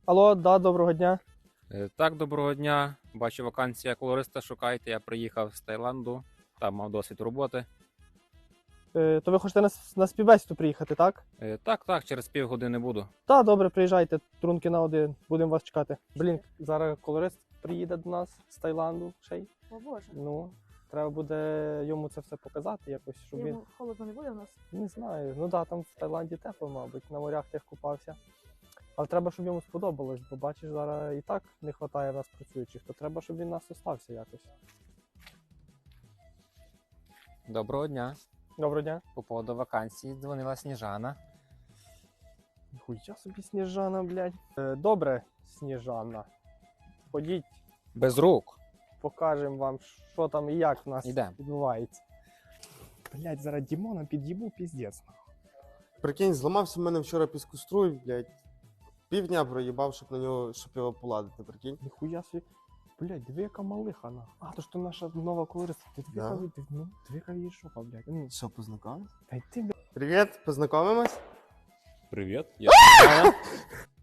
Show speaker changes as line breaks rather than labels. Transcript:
Алло, да, доброго дня.
Так, доброго дня. Бачу, вакансія колориста шукаєте. Я приїхав з Таїланду, там мав досвід роботи.
То ви хочете на співбесіду приїхати, так?
Так, через півгодини буду.
Так, добре, приїжджайте, трунки на один, будемо вас чекати. Блін, зараз колорист приїде до нас з Таїланду ще й.
О Боже,
Ну, треба буде йому це все показати якось, щоб він...
йому холодно не буде у нас.
Не знаю, ну да, там в Таїланді тепло, мабуть, на морях тих купався. Але треба, щоб йому сподобалось, бо бачиш, зараз і так не вистачає в нас працюючих, то треба, щоб він нас остався якось.
Доброго дня.
Доброго дня.
По поводу вакансії дзвонила Сніжана.
Ніхуя собі Сніжана, блядь. Добре, Сніжана. Ходіть,
Без рук.
покажемо вам, що там і як в нас
Ідем.
відбувається. Блядь, зараз Дімона під'їбу, піздець.
Прикинь, зламався в мене вчора піскоструй, блядь. Півдня проїбав, щоб його поладити, прикинь.
Ніхуя собі. Блядь, диви, яка малиха, на. А, то ж то наша нова колориста. Ти диви,
Да.
диви, яка її жопа, блядь. Ну,
Що, познайомились?
та й ти, блядь.
Привіт, познайомимось?
Привіт. Я